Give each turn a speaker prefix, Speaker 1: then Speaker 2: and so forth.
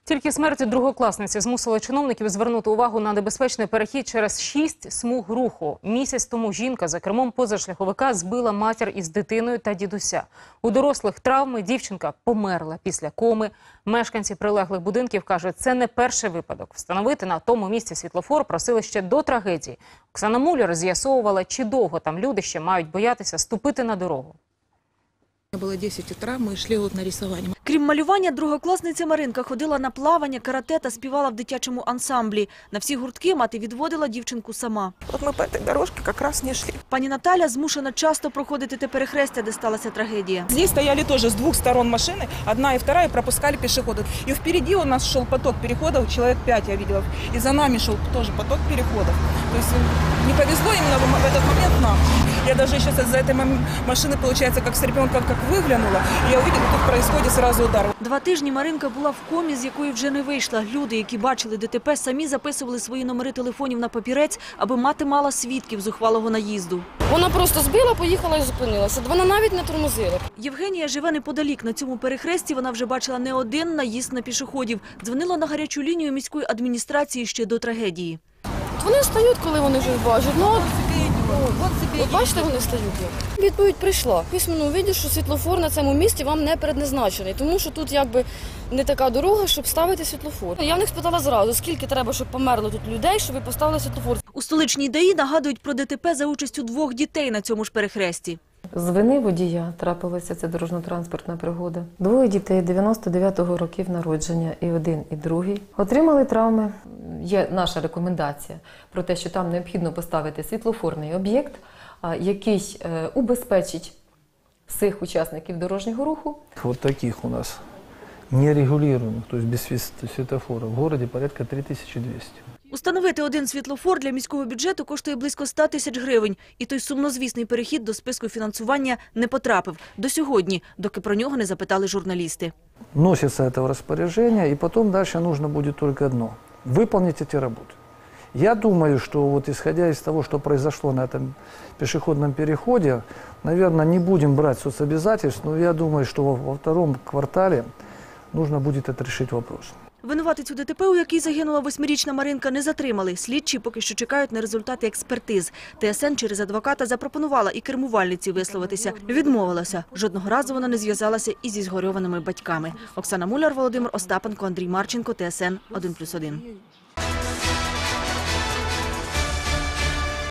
Speaker 1: Тільки смерть другокласниці змусила чиновників звернути увагу на небезпечний перехід через 6 смуг руху. Місяць тому жінка за кермом позашляховика збила матір із дитиною та дідуся. У дорослих травми, дівчинка померла після коми. Мешканці прилеглих будинків кажуть, це не перший випадок. Встановити на тому місці світлофор просили ще до трагедії. Оксана Муляр з'ясовувала, чи довго там люди ще мають боятися ступити на дорогу.
Speaker 2: Було 10 утра, ми йшли на рисування.
Speaker 3: Крім малювання, другокласниця Маринка ходила на плавання, карате та співала в дитячому ансамблі. На всі гуртки мати відводила дівчинку сама.
Speaker 2: От ми по цій дорожці якраз не йшли.
Speaker 3: Пані Наталя змушена часто проходити те перехрестя, де сталася трагедія.
Speaker 2: Здесь стояли тоже с двух сторон машины, одна и вторая, пропускали пешеходов. И впереди у нас шел поток переходов, человек 5 я видела. И за нами шел тоже поток переходов. То есть не повезло именно в этот момент нам. Я даже сейчас из-за этой машины, получается, как с ребенком, как выглянула, и я увидела, тут происходит сразу удар.
Speaker 3: 2 тижні Маринка була в комі, з якої вже не вийшла. Люди, які бачили ДТП, самі записували свої номери телефонів на папірець, аби мати мала свідків зухвалого наїзду.
Speaker 4: Вона просто збила, поїхала і зупинилася. Вона навіть не тормозила.
Speaker 3: Євгенія живе неподалік. На цьому перехресті вона вже бачила не один наїзд на пішоходів. Дзвонила на гарячу лінію міської адміністрації ще до трагедії.
Speaker 4: Вони стають, коли вони вже бачать. От бачите, вони стають. Відповідь прийшла. В письменному виді, що світлофор на цьому місці вам не предназначений, тому що тут якби не така дорога, щоб ставити світлофор. Я в них спитала зразу, скільки треба, щоб померло тут людей, щоб ви поставили світлофор.
Speaker 3: У столичній ДАІ нагадують про ДТП за участю 2 дітей на цьому ж перехресті.
Speaker 5: З вини водія трапилася ця дорожньо-транспортна пригода. 2 дітей 99-го років народження, і один, і другий, отримали травми. Є наша рекомендація про те, що там необхідно поставити світлофорний об'єкт, який убезпечить всіх учасників дорожнього руху.
Speaker 6: Вот таких у нас нерегулируемых, то есть без светофора, в городе порядка 3200.
Speaker 3: Установити один світлофор для міського бюджету коштує близько 100 тисяч гривень. І той сумнозвісний перехід до списку фінансування не потрапив. До сьогодні, доки про нього не запитали журналісти.
Speaker 6: Носится это в распоряжение, и потом дальше нужно будет только одно – выполнить эти работы. Я думаю, что вот исходя из того, что произошло на этом пешеходном переходе, наверное, не будем брать соцобязательств, но я думаю, что во втором квартале нужно будет отрешить вопрос.
Speaker 3: Винуватицю ДТП, у якій загинула 8-річна Маринка, не затримали. Слідчі поки що чекають на результати експертиз. ТСН через адвоката запропонувала і кермувальниці висловитися. Відмовилася. Жодного разу вона не зв'язалася із зі згорьованими батьками. Оксана Муляр, Володимир Остапенко, Андрій Марченко, ТСН 1+1.